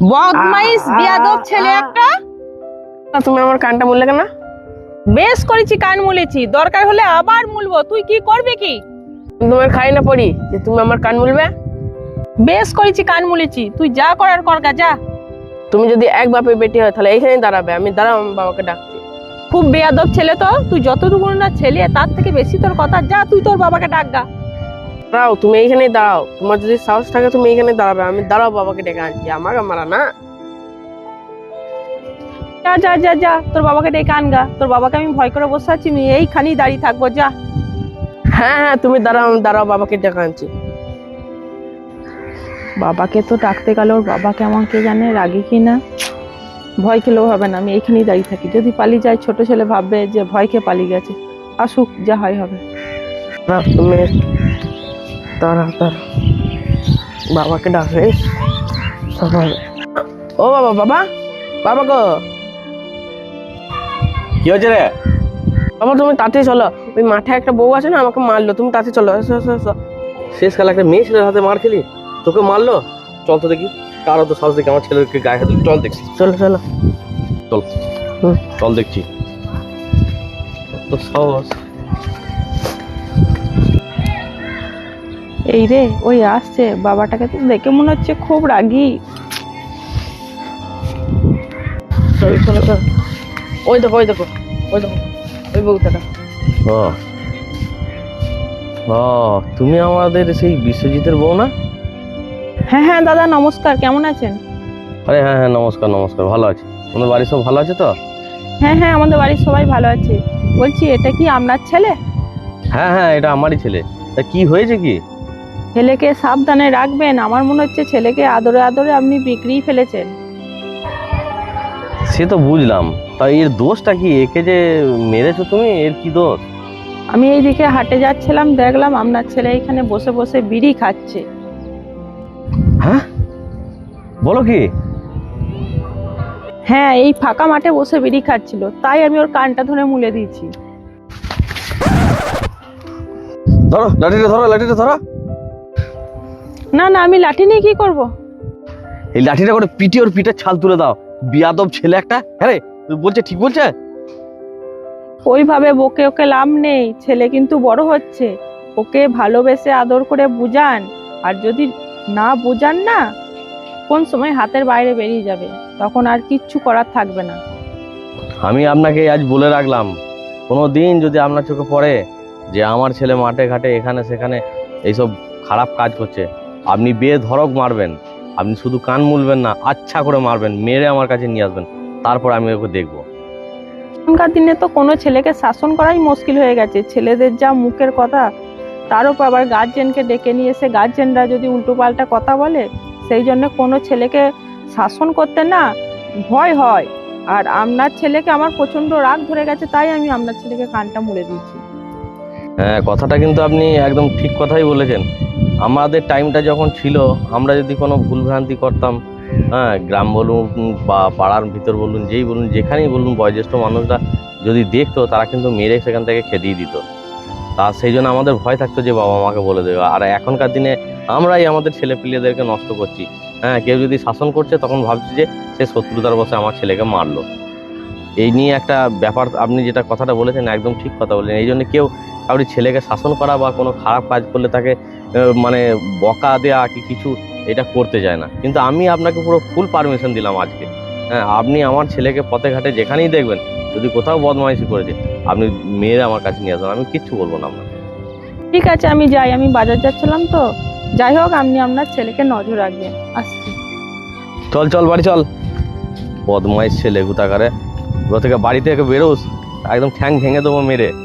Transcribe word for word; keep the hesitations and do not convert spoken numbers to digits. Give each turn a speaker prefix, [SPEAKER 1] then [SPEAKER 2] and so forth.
[SPEAKER 1] বদমাইশ বিয়াদব ছেলে একটা।
[SPEAKER 2] তুমি আমার কানটা মুললে কেন?
[SPEAKER 1] বেশ করেছি, কান মুলেছি, দরকার হলে আবার মুলবো। তুই কি করবি কি?
[SPEAKER 2] তোমার খাই না পড়ি যে তুমি আমার কান মুলবে?
[SPEAKER 1] বেশ করেছি, কান মুলেছি, তুই যা করার কর গা, যা।
[SPEAKER 2] তুমি যদি এক বাপের বেটি হয় তাহলে এইখানেই দাঁড়াবে। আমি দাঁড়াও, আমি বাবাকে ডাকছি।
[SPEAKER 1] খুব বেয়াদব ছেলে তো তুই, যতটুকু না ছেলে তার থেকে বেশি তোর কথা। যা তুই তোর বাবাকে ডাক গা।
[SPEAKER 2] দাঁড়াও, তুমি এইখানেই দাঁড়াও। তোমার যদি সাহস থাকে তুমি এইখানে দাঁড়াবে। আমি দাঁড়াও, বাবাকে ডেকে আনছি। আমাকে মারা না।
[SPEAKER 1] যা যা যা যা তোর বাবাকে ডেকে আনগা। তোর বাবাকে আমি ভয় করে বসে আছি, আমি এইখানেই দাঁড়িয়ে থাকবো। যা।
[SPEAKER 2] হ্যাঁ হ্যাঁ, তুমি দাঁড়াও, আমি দাঁড়াও, বাবাকে ডেকে আনছি।
[SPEAKER 1] বাবাকে তো ডাকতে গেল, ওর বাবাকে আমাকে জানে রাগে কিনা। ভয় খেলেও হবে না, আমি এইখানেই দাঁড়িয়ে থাকি। যদি পালিয়ে যায় ছোট ছেলে ভাববে যে ভয় খেয়ে পালিয়ে গেছে। আসুক, যা হয় হবে।
[SPEAKER 2] দাঁড়াও, তুমি দাঁড়াও দাঁড়াও, বাবাকে ডাকলে সব হবে। ও বাবা, বাবা, বাবা গো।
[SPEAKER 3] কি হয়েছে রে?
[SPEAKER 2] বাবা তুমি তাড়াতাড়ি চলো, ওই মাঠে একটা বউ আছে না, আমাকে মারলো। তুমি তাড়াতাড়ি চলো, এসো এসো এসো।
[SPEAKER 3] শেষ কালে একটা মেয়ে ছেলের হাতে মার খেলি, তোকে মারলো? চল তো দেখি, কারো তো সাহস দেখি আমার ছেলেকে গায়ে হাতে। চল দেখছি,
[SPEAKER 2] চলো চলো।
[SPEAKER 3] চল
[SPEAKER 2] হুম।
[SPEAKER 3] চল দেখছি তো সাহস।
[SPEAKER 1] এই রে, ওই আসছে। বাবাটাকে তো দেখে মনে হচ্ছে খুব রাগী।
[SPEAKER 2] চলো চলো চলো। ওই দেখো ওই দেখো ওই দেখো ওই বউটাটা।
[SPEAKER 3] ও ও, তুমি আমাদের সেই বিশ্বজিতের বউ না?
[SPEAKER 1] হ্যাঁ হ্যাঁ দাদা, নমস্কার, কেমন আছেন?
[SPEAKER 3] আরে হ্যাঁ হ্যাঁ, নমস্কার নমস্কার, ভালো আছি। আমাদের বাড়ির সব ভালো আছে তো?
[SPEAKER 1] হ্যাঁ হ্যাঁ, আমাদের বাড়ির সবাই ভালো আছে। বলছি, এটা কি আপনার ছেলে?
[SPEAKER 3] হ্যাঁ হ্যাঁ, এটা আমারই ছেলে। তা কি হয়েছে কি?
[SPEAKER 1] ছেলেকে সাবধানে রাখবেন। আমার মনে হচ্ছে ছেলেকে আদরে আদরে আপনি বিক্রি ফেলেছেন।
[SPEAKER 3] সে তো বুঝলাম, তা এর দোষটা কি? একে যে মেরেছো তুমি, এর কি দোষ?
[SPEAKER 1] আমি এইদিকে হাটে যাচ্ছিলাম, দেখলাম আপনার ছেলে এখানে বসে বসে বিড়ি খাচ্ছে।
[SPEAKER 3] হ্যাঁ, বলো কি?
[SPEAKER 1] হ্যাঁ, এই ফাঁকা মাঠে বসে বিড়ি খাচ্ছিল, তাই আমি ওর কানটা ধরে মুলে দিয়েছি।
[SPEAKER 3] ধরো লাঠিটা, ধরো লাঠিটা ধরো।
[SPEAKER 1] না না, আমি লাঠি নিয়ে কি করব?
[SPEAKER 3] এই লাঠিটা করে পিটি ওর পিঠের ছাল তুলে দাও। বিয়াদব ছেলে একটা। হ্যাঁ রে, বলছে ঠিক বলছে।
[SPEAKER 1] ওইভাবে বকে ওকে লাভ নেই, ছেলে কিন্তু বড় হচ্ছে। ওকে ভালোবেসে আদর করে বুঝান। আর যদি না বুঝান না, কোন সময় হাতের বাইরে বেরিয়ে যাবে, তখন আর কিচ্ছু করার থাকবে না।
[SPEAKER 3] আমি আপনাকে আজ বলে রাখলাম, কোনো দিন যদি আপনার চোখে পড়ে যে আমার ছেলে মাঠে ঘাটে এখানে সেখানে এইসব খারাপ কাজ করছে, আপনি বেধড়ক মারবেন। আপনি শুধু কান মুলবেন না, আচ্ছা করে মারবেন, মেরে আমার কাছে নিয়ে আসবেন, তারপর আমি ওকে দেখবো।
[SPEAKER 1] এখনকার দিনে তো কোনো ছেলেকে শাসন করাই মুশকিল হয়ে গেছে। ছেলেদের যা মুখের কথা, তার উপর আবার গার্জেনকে ডেকে নিয়ে এসে গার্জেনরা যদি উল্টোপাল্টা কথা বলে, সেই জন্য কোনো ছেলেকে শাসন করতে না ভয় হয়। আর আপনার ছেলেকে আমার প্রচন্ড রাগ ধরে গেছে, তাই আমি আপনার ছেলেকে কানটা মুড়ে দিয়েছি।
[SPEAKER 3] হ্যাঁ, কথাটা কিন্তু আপনি একদম ঠিক কথাই বলেছেন। আমাদের টাইমটা যখন ছিল, আমরা যদি কোনো ভুলভ্রান্তি করতাম, হ্যাঁ, গ্রাম বলুন বা পাড়ার ভিতর বলুন, যেই বলুন, যেখানেই বলুন, বয়োজ্যেষ্ঠ মানুষরা যদি দেখতো, তারা কিন্তু মেরে সেখান থেকে খেদিয়ে দিত। তা সেই জন্য আমাদের ভয় থাকতো যে বাবা মাকে বলে দেবে। আর এখনকার দিনে আমরাই আমাদের ছেলে পিলেদেরকে নষ্ট করছি। হ্যাঁ, কেউ যদি শাসন করছে তখন ভাবছি যে সে শত্রুতার বশে আমার ছেলেকে মারলো। এই নিয়ে একটা ব্যাপার, আপনি যেটা কথাটা বলেছেন একদম ঠিক কথা বলেছেন। এই জন্য কেউ কাউরি ছেলেকে শাসন করা বা কোনো খারাপ কাজ করলে তাকে আহ, মানে বকা দেওয়া কি কিছু, এটা করতে চায় না। কিন্তু আমি আপনাকে পুরো ফুল পারমিশন দিলাম আজকে। হ্যাঁ, আপনি আমার ছেলেকে পথে ঘাটে যেখানেই দেখবেন, যদি কোথাও বদমাইশি করেছে, আপনি মেয়ের আমার কাছে নিয়ে আসবেন, আমি কিচ্ছু বলবো না আপনাকে।
[SPEAKER 1] ঠিক আছে, আমি যাই, আমি বাজার যাচ্ছিলাম তো। যাই হোক, আপনি আপনার ছেলেকে নজর রাখবেন। আসছি।
[SPEAKER 3] চল চল বাড়ি চল। বদমাইশ ছেলে গুতাকারে, ওর থেকে বাড়ি থেকে বেরোস, একদম ঠ্যাং ভেঙে দেবো মেরে।